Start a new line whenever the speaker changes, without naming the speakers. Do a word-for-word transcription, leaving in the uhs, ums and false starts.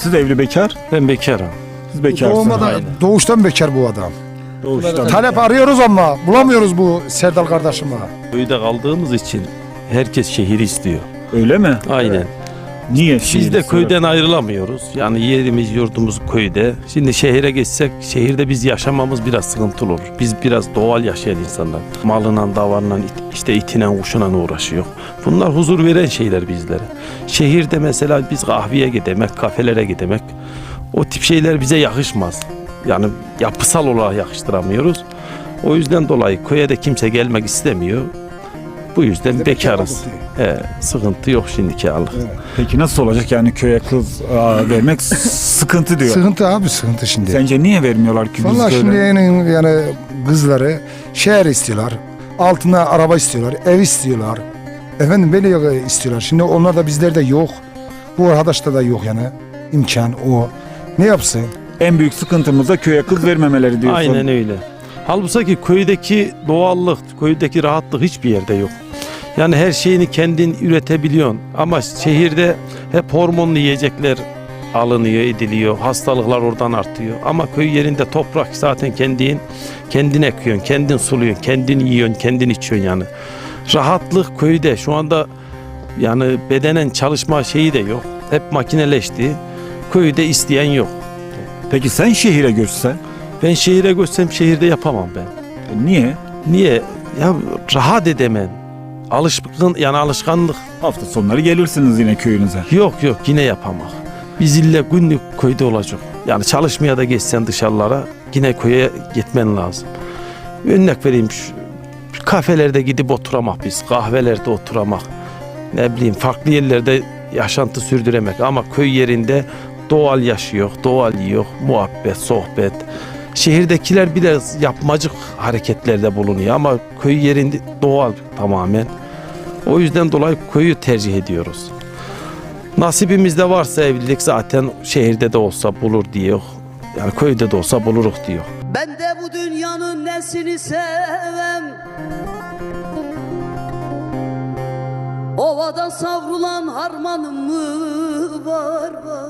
Siz evli bekar?
Ben bekarım.
Siz bekarsınız.
Doğmadan,
Aynen.
doğuştan bekar bu adam.
Doğuştan.
Talep arıyoruz ama bulamıyoruz bu Serdal kardeşime.
Köyde kaldığımız için herkes şehri istiyor.
Öyle mi?
Aynen.
Niye?
Biz
şehir
de
istiyor?
köyden ayrılamıyoruz. Yani yerimiz, yurdumuz köyde. Şimdi şehire geçsek, şehirde biz yaşamamız biraz sıkıntılı olur. Biz biraz doğal yaşayan insanlar. Malından, davarından, işte itinen, kuşunan uğraşıyor. Bunlar huzur veren şeyler bizlere. Şehirde mesela biz kahveye gidemek, kafelere gidemek, o tip şeyler bize yakışmaz. Yani yapısal olarak yakıştıramıyoruz. O yüzden dolayı köye de kimse gelmek istemiyor. Bu yüzden bekarız. He, sıkıntı yok şimdiki anlık.
Peki nasıl olacak yani köye kız aa, vermek sıkıntı diyor.
Sıkıntı abi, sıkıntı şimdi.
Sence niye vermiyorlar ki biz
Vallahi
köyde?
şimdi yani, yani kızları şehir istiyorlar. Altına araba istiyorlar, ev istiyorlar. Efendim böyle istiyorlar. Şimdi onlar da bizlerde yok. Bu arkadaşta da yok yani. İmkan o. Ne yapsın?
En büyük sıkıntımız da köye kız vermemeleri diyorsun.
Aynen öyle. Halbuki köydeki doğallık, köydeki rahatlık hiçbir yerde yok. Yani her şeyini kendin üretebiliyorsun. Ama şehirde hep hormonlu yiyecekler alınıyor, ediliyor. Hastalıklar oradan artıyor. Ama köy yerinde toprak zaten kendin, kendin ekiyorsun, kendin suluyorsun, kendin yiyorsun, kendin içiyorsun yani. Rahatlık köyde şu anda yani bedenen çalışma şeyi de yok. Hep makineleşti. Köyde isteyen yok.
Peki sen şehire göçsen
Ben şehire göçsem şehirde yapamam ben.
e, niye?
Niye? Ya rahat edemem. Alışkın yani alışkanlık.
Hafta sonları gelirsiniz yine köyünüze.
Yok yok yine yapamak. Biz ille günlük köyde olacak. Yani çalışmaya da geçsen dışarılara yine köye gitmen lazım. Örnek vereyim şu, şu kafelerde gidip oturamak biz. Kahvelerde oturamak. Ne bileyim farklı yerlerde yaşantı sürdüremek. Ama köy yerinde doğal yaşıyor, doğal yiyor, muhabbet, sohbet. Şehirdekiler biraz yapmacık hareketlerde bulunuyor ama köy yerinde doğal tamamen. O yüzden dolayı köyü tercih ediyoruz. Nasibimizde varsa evlilik zaten şehirde de olsa bulur diyor. Yani köyde de olsa buluruk diyor.
Ben de bu dünyanın nesini sevem, ovada savrulan harmanım mı var var.